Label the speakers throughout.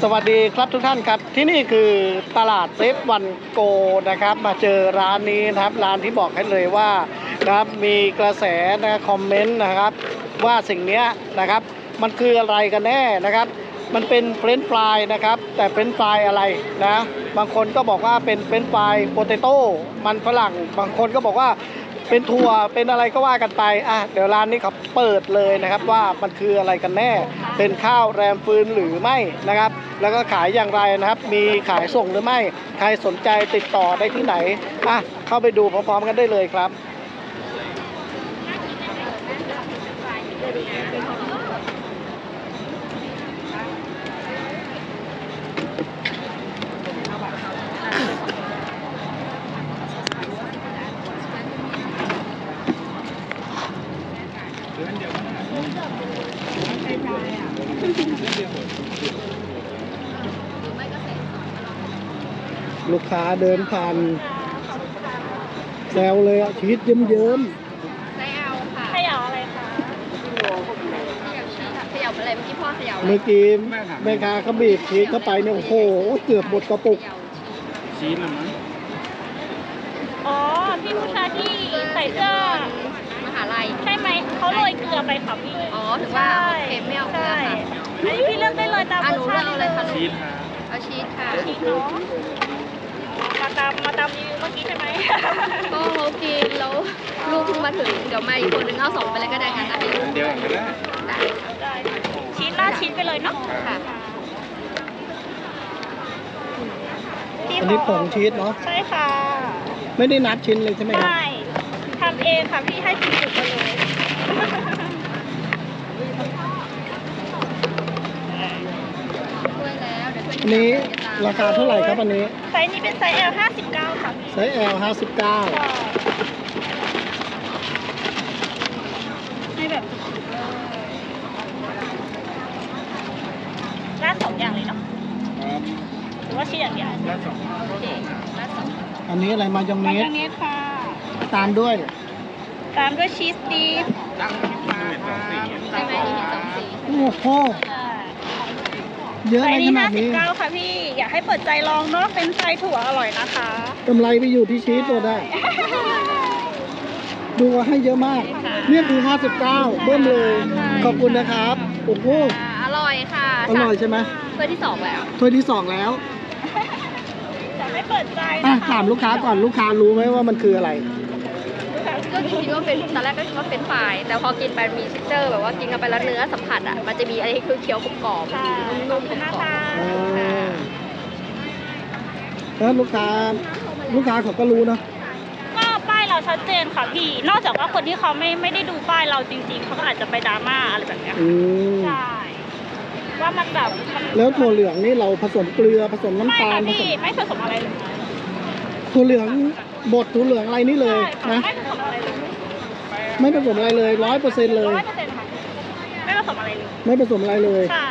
Speaker 1: สวัสดีครับทุกท่านครับที่นี่คือตลาดเซฟวันโกนะครับมาเจอร้านนี้นะครับร้านที่บอกให้เลยว่านะครับมีกระแสนะคอมเมนต์นะครับว่าสิ่งนี้นะครับมันคืออะไรกันแน่นะครับมันเป็นเฟรนช์ฟรายนะครับแต่เฟรนช์ฟรายอะไรนะบางคนก็บอกว่าเป็นเฟรนช์ฟรายโปเตโต้มันฝรั่งบางคนก็บอกว่าเป็นถั่วเป็นอะไรก็ว่ากันไปเดี๋ยวร้านนี้เขาเปิดเลยนะครับว่ามันคืออะไรกันแน่เป็นข้าวแรมฟืนหรือไม่นะครับแล้วก็ขายอย่างไรนะครับมีขายส่งหรือไม่ใครสนใจติดต่อได้ที่ไหนเข้าไปดูพร้อมๆกันได้เลยครับลูกค้าเดินผ่านแซวเลยชีสเยิ้ม
Speaker 2: ไส้เอาค่ะ
Speaker 3: เขย่าอะไรคะ
Speaker 2: เขย่าชีสค่ะเขย่าอะไรเมื่อกี้พ่อเขย่า
Speaker 1: เมื่อกี้แม่ค้าเขาบีบชีสเข้าไปเนี่ยโอ้โหเกือบหมดกระปุก
Speaker 4: ชีสหรือมั้ง
Speaker 3: อ๋อพี่ผู้ชายที่ใส่เสื้อ
Speaker 2: มหาลัย
Speaker 3: ใช่ไหมเขาโรยเกลือไปค่ะพี่
Speaker 2: อ๋อถึงว่าโอเคไม่เอาเกลือค่ะ
Speaker 3: อันนี้พี่เลือกได้เลยตาม
Speaker 2: หนูเลือกเอาเลยค่ะ
Speaker 4: ชีสค่ะ
Speaker 2: เอาชีสค่ะ
Speaker 3: ชีสเนาะมาตามรีวิวเมื่อกี้ใช่ไหม
Speaker 2: ก็เขากินแล้วลูกเพิ่งมาถึงเดี๋ยวมาอีกคนนึงเอา2ไปเลยก็ได้งั้นนะให้ลูก
Speaker 4: เดียวกันได้
Speaker 2: ได้
Speaker 3: ชีสราดชีสไปเลยเนาะ
Speaker 2: ค่ะ
Speaker 1: อันนี้ผงชีสเนาะ
Speaker 3: ใช่ค่ะ
Speaker 1: ไม่ได้นับชิ้นเลยใช่ไหมครับ
Speaker 3: ใช่ทำเองค่ะพี่ให้จุกๆไปเลย
Speaker 1: อันนี้ราคาเท่าไหร่ครับอันนี้
Speaker 3: ไซส์นี้เป็นไซส์ L 59ค่ะ
Speaker 1: ไซส์ L 59
Speaker 3: ให้แบบราด2อย่างเลยเนาะหรือว่าชีสอย่างเดียว
Speaker 2: โอเคราด2
Speaker 1: อันนี้อะไรมายองเนส
Speaker 3: ค่ะ
Speaker 1: ตามด้วย
Speaker 3: ชีสดีฟ
Speaker 2: ใช่ไหมนี่มี2สี
Speaker 1: โอ้โหเยอะในขนาดนี้
Speaker 3: 59ค่ะพี่อยากให้เปิดใจลองเนาะเป็นไส้ถั่วอร่อยนะคะ
Speaker 1: กำไรไปอยู่ที่ชีสตัวได้ดูว่าให้เยอะมากเนี่ยคือ59เบิ้มเลยขอบคุณนะครับโอ้โห
Speaker 2: อร่อยค่ะ
Speaker 1: อร่อยใช่ไหม
Speaker 2: ถ้วยที่2แล้ว
Speaker 1: ถ้วยที่2แล้ว
Speaker 3: อยากให้เปิดใจ
Speaker 1: ถามลูกค้าก่อนลูกค้ารู้ไหมว่ามันคืออะไร
Speaker 2: ก็คิดว่าเป็นตอนแรกก็คิดว่าเป็นฝ่ายแต่พอกินไปมีเท็กเจอร์แบบว่ากินกันไปแล้วเนื้อสัมผัสมันจะมีอะไรที่คือเคี้ยวกรอบๆนุ่มๆกรอบ
Speaker 1: ๆแล้วลูกค้าเขาก็รู้นะ
Speaker 3: ก็ป้ายเราชัดเจนค่ะพี่นอกจากว่าคนที่เขาไม่ได้ดูป้ายเราจริงๆเขาก็อาจจะไปดราม่าอะไรแบบนี้ใช่ว่ามันแบบ
Speaker 1: แล้วถั่วเหลืองนี่เราผสมเกลือผสมน้ำตาล
Speaker 3: ไม่ผสมอะไรเลย
Speaker 1: ถั่วเหลืองบดถั่วเหลืองอะไรนี่เลยนะไม่ผสมอะไรเลย100%เลย
Speaker 3: ไม่ผสมอะไรเลย
Speaker 1: ไม่ผสมอะไรเลย
Speaker 3: ใช่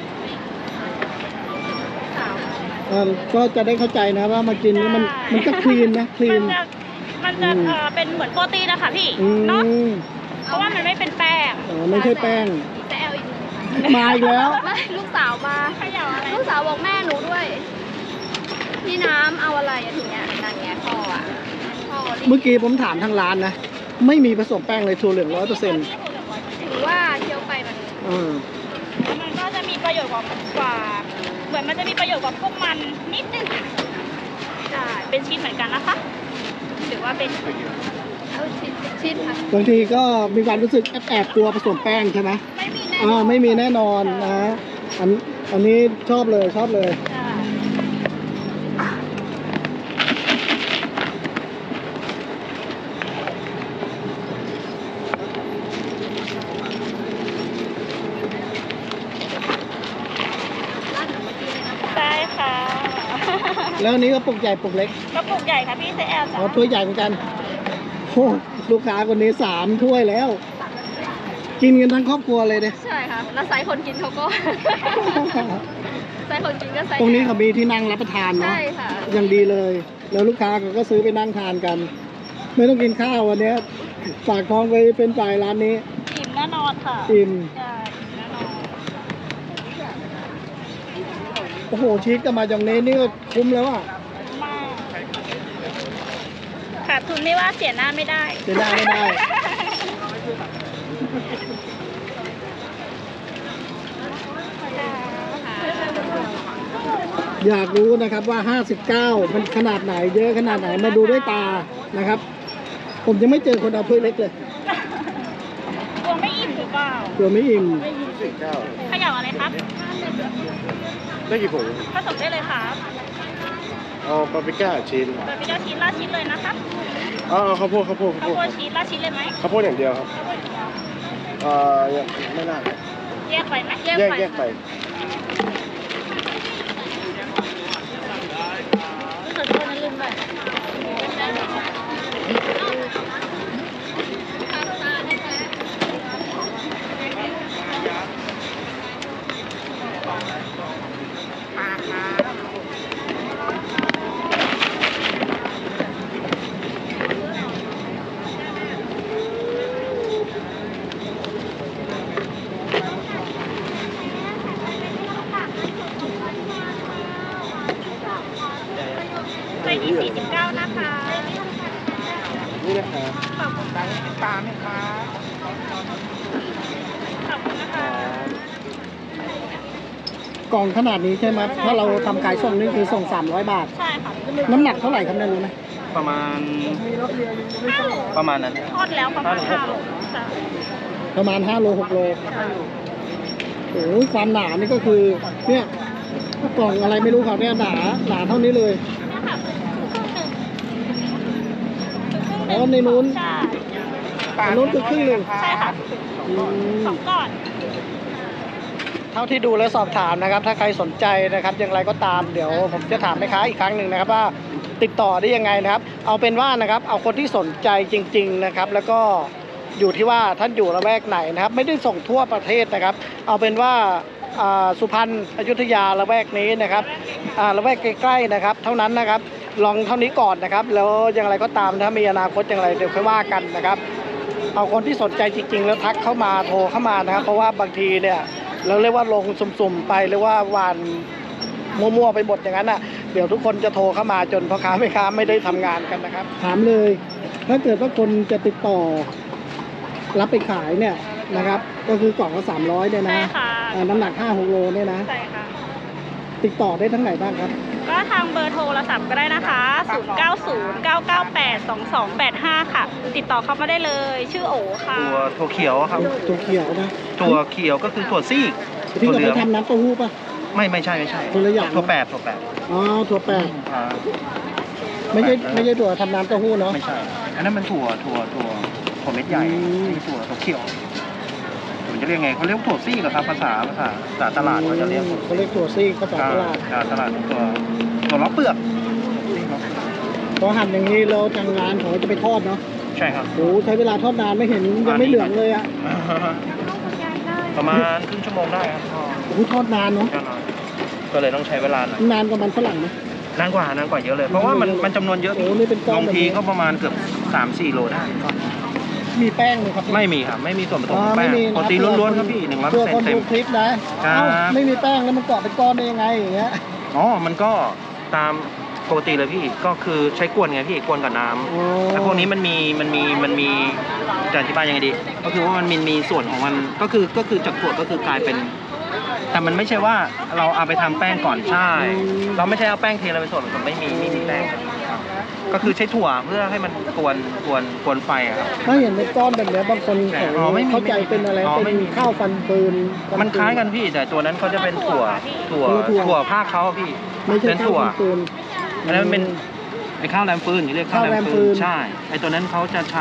Speaker 1: ก็จะได้เข้าใจนะว่ามากินนี่มันก็คลีนนะคลีน
Speaker 3: มันจะเป็นเหมือนโปรตีนนะคะพี่เนาะเพราะว่ามันไม่เป็นแป้ง
Speaker 1: ไม่ใช่แป้งมาอีกแล้ว
Speaker 2: ลูกสาวมาลูกสาวบอกแม่หนูด้วยพี่น้ำเอาอะไรถึงเนี้ยนั่นไงพ่อ
Speaker 1: เมื่อกี้ผมถามทางร้านนะไม่มีผสมแป้งเลยถั่วเหลือง100%
Speaker 2: ถือว่าเคี้ยวไป
Speaker 3: มันก็จะมีประโยชน์กว่าเหมือนมันจะมีประโยชน์กว่าพวกมันนิดนึงใช่เป็นชีสเหมือนกันนะคะหรือว่าเป็น
Speaker 2: ชีสค่ะ
Speaker 1: บางทีก็มีความรู้สึกแอบกลัวผสมแป้งใช่ไหมไม่มีแน่นอนนะอันนี้ชอบเลยแล้วนี้ก็ปุกใหญ่ปุกเล็ก
Speaker 3: ก็ปุกใหญ่ค่ะพี่ไซส์ L จ้ะ
Speaker 1: ถ้วยใหญ่เหมือนกันโอ้ลูกค้าคนนี้3 ถ้วยแล้วกินกันทั้งครอบครัวเลย
Speaker 2: ใช่ค่ะแล้วไซส์คนกินเขาก็ไซส์คนกินก็ไซส์
Speaker 1: ตรงนี้เขามีที่นั่งรับประทานเนาะ
Speaker 2: ใช่ค่ะ
Speaker 1: อย่างดีเลยแล้วลูกค้าก็ซื้อไปนั่งทานกันไม่ต้องกินข้าววันนี้ฝากท้องไปเป็นฝ่ายร้านนี้
Speaker 3: อิ่มแน่นอนค่ะ
Speaker 1: อิ่มโอ้โหชีสกับมายองเนสนี่ก็คุ้มแล้วอ่ะ
Speaker 3: มากขาดทุนไม่ว่าเสียหน้าไม่ได้
Speaker 1: เสียหน้าไม่ได้ อยากรู้นะครับว่า 59มันขนาดไหนเยอะขนาดไหนมาดูด้วยตานะครับ ผมยังไม่เจอคนเอาถ้วยเล็กเลย
Speaker 3: กลัวไม่อิ่มหรือเปล่า
Speaker 1: ตัวไม่อิ่ม
Speaker 3: ขยับอะไรครับ
Speaker 4: ได้กี่ผง
Speaker 3: ผสมได้เลยครับ
Speaker 4: เอาปาปริก้าชิ้น
Speaker 3: เบอร์พิก้าชีสราดชีสเลยนะครับ
Speaker 4: เอาข้าวโพดข้าวโพดข้าว
Speaker 3: ข้าว
Speaker 4: โพ
Speaker 3: โพ
Speaker 4: ด
Speaker 3: ดชีสราดชีสเลยไหม
Speaker 4: ข้าวโพดอย่างเดียวครับไม่น่า
Speaker 3: แยกไปไหม
Speaker 4: แยกไป
Speaker 3: รู้สึกว่านั้นลืมไปไส้ที่49นะคะ
Speaker 4: นี่นะครับ
Speaker 3: ขอบคุณนะคะขอบคุณนะคะ
Speaker 1: กล่องขนาดนี้ใช่ไหมถ้าเราทำขายส่งนี่คือส่ง300 บาท
Speaker 3: ใช่ค่ะ
Speaker 1: น้ำหนักเท่าไหร่ครับเนี่ยรู้ไหม
Speaker 4: ประมาณนั้น
Speaker 3: ทอดแล้วประมาณ5 โลจ้ะ
Speaker 1: ประมาณ5 โล 6 โลโอ้ยความหนานี่ก็คือเนี่ยกล่องอะไรไม่รู้ครับเนี่ยหนาเท่านี้เลย
Speaker 3: เนี่ยค่ะครึ่งหนึ่ง
Speaker 1: อ๋อในนู้น
Speaker 3: ใช่
Speaker 1: อันนู้นคือครึ่งหนึ่ง
Speaker 3: ใช่ค่ะ
Speaker 1: อืม
Speaker 3: 2 ก่อน
Speaker 1: เท่าที่ดูและสอบถามนะครับ ถ้าใครสนใจนะครับอย่างไรก็ตามเดี๋ยวผมจะถามแม่ค้าอีกครั้งหนึ่งนะครับว่าติดต่อได้ยังไงนะครับ เอาเป็นว่านะครับเอาคนที่สนใจจริง ๆนะครับ แล้วก็อยู่ที่ว่าท่านอยู่ละแวกไหนนะครับ ไม่ได้ส่งทั่วประเทศนะครับ เอาเป็นว่าสุพรรณอยุธยาละแวกนี้นะครับละแวกใกล้ๆนะครับ เท่านั้นนะครับลองเท่านี้ก่อนนะครับ แล้วอย่างไรก็ตามถ้ามีอนาคตอย่างไรเดี๋ยวค่อยว่ากันนะครับ เอาคนที่สนใจจริง ๆ แล้วทักเข้ามาโทรเข้ามานะครับ เพราะว่าบางทีเนี่ยเราเรียกว่าลงสุ่มๆไปหรือว่าหวานมั่วๆไปหมดอย่างนั้นอ่ะเดี๋ยวทุกคนจะโทรเข้ามาจนพ่อค้าแม่ค้าไม่ได้ทำงานกันนะครับ ถามเลย ถ้าเกิดว่าคนจะติดต่อ รับไปขายเนี่ยนะครับ ก็คือกล่องละ300เนี่ย
Speaker 3: ใช่
Speaker 1: นะ
Speaker 3: ค่ะ
Speaker 1: น้ำหนัก5-6 โลเนี่ยนะ
Speaker 3: ใช่ค่ะ
Speaker 1: ติดต่อได้ทั้งไหนบ้างครับ
Speaker 3: ก็ทางเบอร์โทรศัพท์ก็ได้นะคะ 0909982285 ค่ะ ติดต่อเข้ามาได้เลย ชื่อโอค่ะ
Speaker 4: ถั่วเขียวครับ
Speaker 1: ตัวเขียวนะ
Speaker 4: ถั่วเขียวก็คือถั่วซีก
Speaker 1: ที่
Speaker 4: ถั่ว
Speaker 1: เรา
Speaker 4: เหลื
Speaker 1: ไป
Speaker 4: อง
Speaker 1: ทำน้ำเต้าหู้ป่ะ
Speaker 4: ไม่ใช่
Speaker 1: คนละอย่าง
Speaker 4: ถั่วแปด
Speaker 1: อ๋อถั่วแปด
Speaker 4: อ่า
Speaker 1: ไม่ใช่ถั่วทำน้ำเต้าหู้เนาะ
Speaker 4: ไม่ใช่ อันนั้นมันถั่วเม็ดใหญ่
Speaker 1: อืม
Speaker 4: นี่ถั่วเขียวผมจะเรียกไงเขาเรียกถั่วซีกเหรอครับภาษาตลาดเขาจะเรียก
Speaker 1: เขาเรียกถั่วซีกภาษาตลาด
Speaker 4: ตลาดตัวล้อเปลือก
Speaker 1: พอหั่นอย่างนี้เราทางงานเขาจะไปทอดเนาะ
Speaker 4: ใช่ครับ
Speaker 1: โอ้ใช้เวลาทอดนานไม่เห็นยังไม่เหลืองเลยอ่ะ
Speaker 4: ประมาณครึ่งชั่วโมงได้ครับพ่อ
Speaker 1: โอ้ทอดนานเนาะ
Speaker 4: ก็เลยต้องใช้เวลาหน่อย
Speaker 1: นานกว่ามันฝรั่งไหม
Speaker 4: นานกว่าเยอะเลย เพราะว่ามันจำนวนเยอะ
Speaker 1: โอ้นี่เป็นก้อน
Speaker 4: บางที
Speaker 1: แบบนี้
Speaker 4: ก็ประมาณเกือบ 3-4 โลได้
Speaker 1: มีแป้งไหมครับ
Speaker 4: ไม่มีครับ ไม่มีส่วนผสม
Speaker 1: อ๋อ
Speaker 4: ของแป้ง
Speaker 1: ไม่มีนะ
Speaker 4: โปรตีนล้วนๆครับพี่
Speaker 1: เพื่อคน
Speaker 4: 100%เต็
Speaker 1: ดู
Speaker 4: ม
Speaker 1: คลิปนะ
Speaker 4: ครับ
Speaker 1: เอ้าไม่มีแป้งแล้วมันเกาะเป็นก้อนได้ยังไงอย่างเงี้ย
Speaker 4: อ๋อ มันก็ตามปกติเลยพี่ ก็คือใช้กวนไงพี่ กวนกับน้ำ
Speaker 1: อ๋อ
Speaker 4: แต่พวกนี้มันมีจะอธิบายยังไงดี ก็คือว่ามันมีส่วนของมัน ก็คือจากถั่วก็คือกลายเป็น แต่มันไม่ใช่ว่าเราเอาไปทำแป้งก่อนใช่ เราไม่ใช่เอาแป้งเทลงไปส่วนผสมไม่มีแป้ง ก็คือใช้ถั่วเพื่อให้มันกวนไฟอะครับ
Speaker 1: ถ้าเห็นเป็นก้อนแบบเนี้ยบางคน
Speaker 4: อ๋อไม่มี
Speaker 1: เข้าใจเป็นอะไร
Speaker 4: อ๋อ
Speaker 1: เป็
Speaker 4: ไม่
Speaker 1: น
Speaker 4: มี
Speaker 1: ข้าวฟันปืน
Speaker 4: มันคล้ายกันพี่ แต่ตัวนั้นเขาจะเป็นถั่วภาคเขาอะพี่
Speaker 1: ไม่ใช่
Speaker 4: เป็น
Speaker 1: ข้าว
Speaker 4: ถั่ว
Speaker 1: ฟันปืน
Speaker 4: อันนั้นมันเป็นไอ้ข้าวแรมฟืนเรียกข้าวแรม
Speaker 1: ข้าวแรมฟื
Speaker 4: ฟื
Speaker 1: น
Speaker 4: นใช่ไอ้ตัวนั้นเขาจะใช้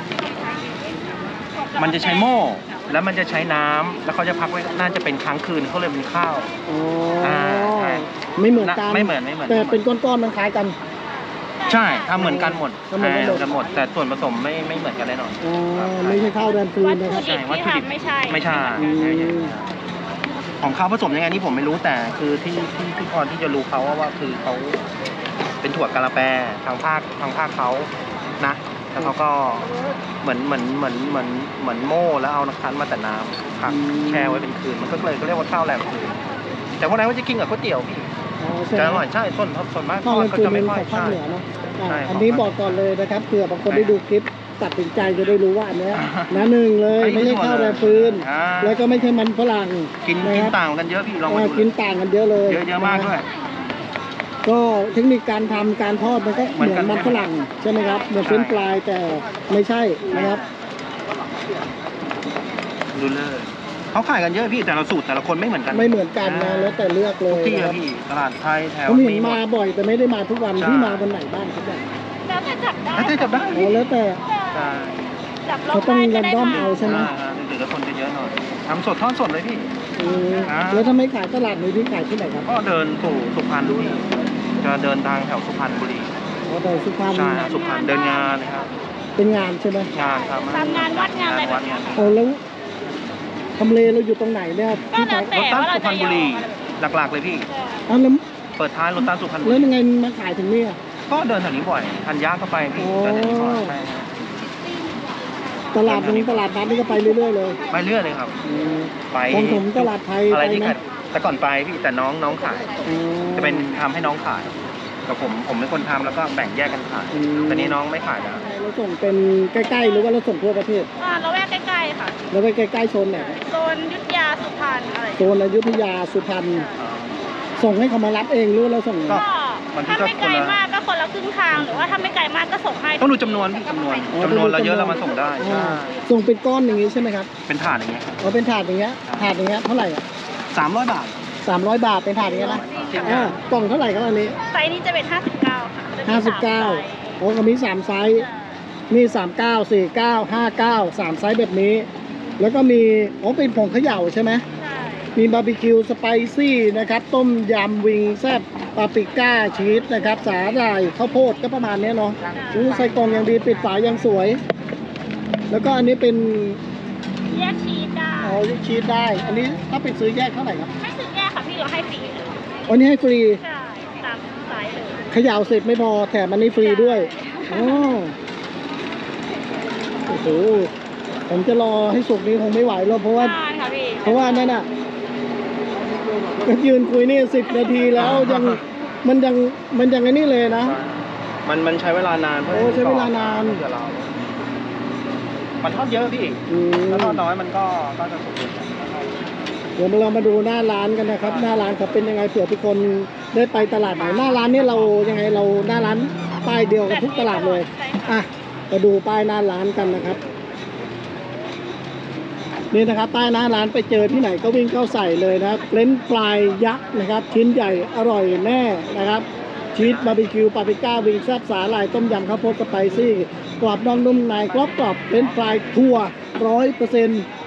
Speaker 4: มันจะใช้หม้อแล้วมันจะใช้น้ำแล้วเขาจะพักไว้น่าจะเป็นค้างคืนเขาเลยเป็นข้าว
Speaker 1: อ๋อ
Speaker 4: ใช่
Speaker 1: ไม่เหมือนกัน
Speaker 4: ไม่เหมือน
Speaker 1: แต่เป็นก้อนๆมันคล้ายกัน
Speaker 4: ใช่ทำเหมือนกันหมด
Speaker 1: ทำเหมือนกันหมด
Speaker 4: กันหมด แต่ส่วนผสมไม่เหมือนกันแน่นอน
Speaker 1: อ๋อไม่ใช่ข้าวแรมฟืน
Speaker 3: วัต
Speaker 1: นะ
Speaker 3: ถุ
Speaker 1: ครับ
Speaker 3: ดิบที่ทำไม่ใช่
Speaker 4: ไม่ใช่
Speaker 1: อืม
Speaker 4: ของเขาผสมยังไงนี่ผมไม่รู้แต่คือที่พอที่จะรู้เขาว่าคือเขาเป็นถั่วกะละแปทางภาคเขานะแล้วเขาก็เหมือนโม่แล้วเอาน้ำคั้นมาแต่น้ำพักแช่ไว้เป็นคืนมันก็เลยเขาเรียกว่าข้าวแรมคืนแต่พวกนั้นก็จะกินกับก๋วยเตี๋ยวพี่
Speaker 1: อ๋อใช่
Speaker 4: จะ
Speaker 1: ไห
Speaker 4: อ
Speaker 1: ม
Speaker 4: ร่อยใช่ส่วนมาก
Speaker 1: ข้าว
Speaker 4: ทอ
Speaker 1: แร
Speaker 4: ด
Speaker 1: ง
Speaker 4: ก็
Speaker 1: ฟืน
Speaker 4: จะ
Speaker 1: เป็
Speaker 4: ไม่
Speaker 1: น
Speaker 4: ค่อ
Speaker 1: ข
Speaker 4: ย
Speaker 1: องภาค
Speaker 4: ใช่
Speaker 1: เหนือเนาะ
Speaker 4: ใช่
Speaker 1: อันนี้บอกก่อนเลยนะครับเผื่อบางคนได้ดูคลิปตัดสินใจจะได้รู้ว่าอันเนี้ยนะหนึ่งเลยไม่ใช่ข้าวแรงฟืน
Speaker 4: อ่า
Speaker 1: แล้วก็ไม่ใช่มันฝรั่ง
Speaker 4: กิน
Speaker 1: นะ
Speaker 4: กิน
Speaker 1: ครับ
Speaker 4: ต่างกันเยอะพี่ลองมาดู
Speaker 1: กินต่างกันเยอะเลย
Speaker 4: เยอะมากด้วย
Speaker 1: ก็เทคนิคการทำการทอดมันก็เหมือนมันฝรั่งใช่ไหมครับเหมือนเฟรนช์ฟรายแต่ไม่ใช่นะครับ
Speaker 4: ดูเลยเขาขายกันเยอะพี่แต่ละสูตรแต่ละคนไม่เหมือนกัน
Speaker 1: ไม่เหมือนกันนะแล้วแต่เลือกเล
Speaker 4: ทุก
Speaker 1: ย
Speaker 4: ที่
Speaker 1: นะค
Speaker 4: อะ
Speaker 1: รับ
Speaker 4: พี่ตลาดไทยแถว
Speaker 1: ผมเห็น
Speaker 4: หม
Speaker 1: มา
Speaker 4: ด
Speaker 1: บ่อยแต่ไม่ได้มาทุกวัน
Speaker 4: ใช่
Speaker 1: ที่มาวันไหนบ้างครับเนี่ย
Speaker 3: แล้วแต่จับได้
Speaker 4: แล้วจะจับได้
Speaker 1: โอ้แล้วแต่
Speaker 4: ใช่
Speaker 3: จับร
Speaker 1: เขา
Speaker 3: อบ
Speaker 1: ต้อง
Speaker 3: ได้
Speaker 1: แร
Speaker 3: ก็
Speaker 1: น
Speaker 3: ได้
Speaker 1: ดอม
Speaker 3: มา
Speaker 1: เอาใช่ไหม
Speaker 4: หรือแล้วคนจะเยอะหน่อยทำสดทอดสดเลยพี่
Speaker 1: อืม
Speaker 4: อ่า
Speaker 1: แล้วถ้าไม่ขายตลาดนี้พี่ขายที่ไหนครับ
Speaker 4: ก็เดินสู่สุพรรณพี่จะเดินทางแถวสุพรรณบุรี
Speaker 1: อ๋อแต่สุพรรณ
Speaker 4: ใช่สุพรรณเดินงานนะครับ
Speaker 1: เป็นงานใช่ไหม
Speaker 4: งานครับ
Speaker 3: ตามงานวัดงานอะไรแบบเนี้ยค่ะ
Speaker 1: โอ้แล้วทำเลเราอยู่ตรงไหนเนี่ย
Speaker 3: ก็
Speaker 1: พี่
Speaker 3: แล้
Speaker 1: ขา
Speaker 3: วย แต่ว่าเรา
Speaker 4: รถตั้งสุพร
Speaker 3: จะ
Speaker 4: รณ
Speaker 3: ย
Speaker 4: บุ
Speaker 3: อ
Speaker 4: รี
Speaker 3: ม
Speaker 4: หลักๆเลยพี่
Speaker 1: อ้าวแล้ว
Speaker 4: เปิดท้ายรถตั้งสุพรรณบุ
Speaker 1: แล้ว
Speaker 4: รี
Speaker 1: ยังไงมาขายถึงเนี่ย
Speaker 4: ก็เดินแถวนี้บ่อยทันยากก็ไปพี่
Speaker 1: อ๋อ
Speaker 4: เดินแถวนี้บ่อยใช่ครับ
Speaker 1: ตลาดตลาดนัดนี่ก็ไปเรื่อยๆเลย
Speaker 4: ไปเรื่อยเลยครับ
Speaker 1: อืม
Speaker 4: ไป
Speaker 1: ของผมตลาดไทย
Speaker 4: อะไร
Speaker 1: ไป
Speaker 4: ที่
Speaker 1: ไหม
Speaker 4: ขายแต่ก่อนไปพี่แต่น้องขาย
Speaker 1: อืม
Speaker 4: จะเป็นทำให้น้องขายกับผมเป็นคนทำแล้วก็แบ่งแยกกันขาย
Speaker 1: อืม
Speaker 4: แต่นี้น้องไม่ขายแล้ว
Speaker 1: เราส่งเป็นใกล้ๆหรือว่าเราส่งทั่วประเทศ
Speaker 3: เราแวกใกล้ๆค่ะ
Speaker 1: แล้วไปใกล้ๆโซนไหนครับ
Speaker 3: โซนยุทธยาสุพรรณอะไร
Speaker 1: โซนอยุธยาสุพรรณส่งให้เขามารับเองหรือว่าเราส่ง
Speaker 4: ก็
Speaker 3: ก็ถ้าไม่ไกลมากก็คนละครึ่งทางหรือว่าถ้าไม่ไกลมากก็ส่งให้
Speaker 4: ต้องดูจำนวนพี่จำนวนเราเยอะเรามาส่งได้
Speaker 1: อ่าส่งเป็นก้อนอย่างนี้ใช่ไหมครับ
Speaker 4: เป็นถาดอย่างเงี้ย
Speaker 1: เอาเป็นถาดอย่างเงี้ยถาดอย่างเงี้ยเท่าไหร่อ่ะ
Speaker 4: 300 บาท
Speaker 1: 300 บาทเป็นถาดอย่างเงี้ยนะกล่องเท่าไหร่ครับอันนี้
Speaker 3: ไซส์นี้จะเป็น 59 ค่ะจะมีสามไซส์
Speaker 1: 59โอ้ก็มี3ไซส์มี39 49 59 3ไซส์แบบนี้ แล้วก็มีอ๋อเป็นผงเขย่าใช่ไหม
Speaker 3: ใช่
Speaker 1: มีบาร์บีคิวสไปซี่นะครับต้มยำวิงแซ่บปาปริก้าชีสนะครับสาหร่ายข้าวโพดก็ประมาณเนี้ยเนาะใส่กล่องอย่างดีปิดฝาอย่างสวย แล้วก็อันนี้เป็น
Speaker 3: แยกชีสได้
Speaker 1: อ๋อชีสได้ อันนี้ถ้าเป็นซื้อแยกเท่าไหร่ครับ
Speaker 3: ไม่ซื้อแยกค่ะพี่เราให้ฟรีเลย
Speaker 1: อันนี้ให้ฟรี
Speaker 3: ใช่ตามไซส์เลย
Speaker 1: เขย่าเสร็จไม่พอแถมอันนี้ฟรีด้วยอ๋อโอ้โหผมจะรอให้สุกนี้คงไม่ไหวแล้วเพราะว่า
Speaker 3: ทานค่ะพี่
Speaker 1: เพราะว่านั่นน่ะก็ยืนคุยนี่10 นาทีแล้วยังมันยังไอ้นี่เลยนะ
Speaker 4: มันใช้เวลานาน
Speaker 1: โอ้ใช้เวลานาน
Speaker 4: เดี๋ยวเรามันทอดเยอะพี่
Speaker 1: อืม
Speaker 4: ถ้าทอดน้อยมันก็จะสุกเร็ว
Speaker 1: เดี๋ยวเรามาดูหน้าร้านกันนะครับ หน้าร้านเขาเป็นยังไงเผื่อทุกคนได้ไปตลาดไหนหน้าร้านนี่เรายังไงเราหน้าร้านป้ายเดียวกับทุกตลาดเลย
Speaker 3: ใช่ค่ะ
Speaker 1: อ่ะมาดูป้ายหน้าร้านกันนะครับ นี่นะครับป้ายหน้าร้านไปเจอที่ไหนก็วิ่งเข้าใส่เลยนะครับเฟรนช์ฟรายยักษ์นะครับชิ้นใหญ่อร่อยแน่นะครับชีสบาร์บีคิวปาปริก้าวิงแซ่บสาหร่ายต้มยำข้าวโพดสไปซี่กรอบนอกนุ่มในกรอบเฟรนช์ฟรายทั่ว100%